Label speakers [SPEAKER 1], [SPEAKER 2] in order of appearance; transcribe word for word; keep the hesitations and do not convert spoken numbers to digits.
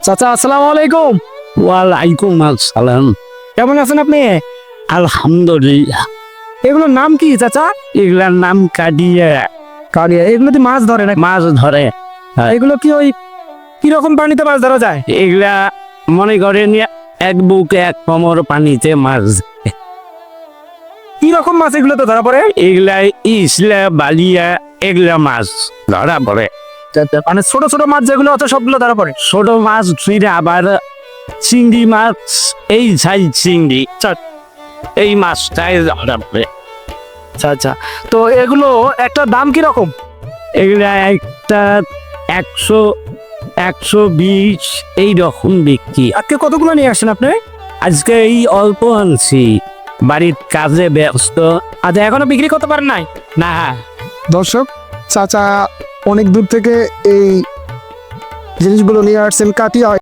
[SPEAKER 1] চাচা আসসালামু আলাইকুম।
[SPEAKER 2] ওয়ালাইকুম আসসালাম।
[SPEAKER 1] কেমন আছেন আপনি?
[SPEAKER 2] আলহামদুলিল্লাহ।
[SPEAKER 1] এগুলোর নাম কি চাচা?
[SPEAKER 2] এগুলার নাম কাডিয়া।
[SPEAKER 1] কালিয়া। এগুলো কি মাছ ধরে না?
[SPEAKER 2] মাছ ধরে।
[SPEAKER 1] এগুলো কি ওই কিরকম পানিতে মাছ ধরা যায়?
[SPEAKER 2] এগুলা মনে করেন এক বুকে এক কোমর পানিতে মাছ।
[SPEAKER 1] কি রকম মাছ এগুলো তো ধরা পড়ে?
[SPEAKER 2] এগুলা ইসলা বালিয়া এগুলা মাছ ধরা পড়ে।
[SPEAKER 1] মানে ছোট ছোট মাছ যেগুলো আছে সবগুলো ধরা পড়ে।
[SPEAKER 2] ছোট মাছ ফিরে আবার চিংড়ি মাছ, এই সাইজ চিংড়ি এই মাছটাই ধরা পড়ে।
[SPEAKER 1] আচ্ছা আচ্ছা। তো এগুলো একটা দাম কি রকম?
[SPEAKER 2] এগুলা একটা একশো একশো বিশ এই রকম বিক্রি।
[SPEAKER 1] আজকে কতগুলো নিয়ে আসছেন আপনি?
[SPEAKER 2] আজকে এই অল্প আনছি, বাড়ির কাজে ব্যস্ত।
[SPEAKER 1] আচ্ছা, এখনো বিক্রি করতে পারেন নাই?
[SPEAKER 2] না,
[SPEAKER 3] দর্শক, চাচা অনেক দূর থেকে এই জিনিসগুলো নিয়ে আসছেন কাটিয়া।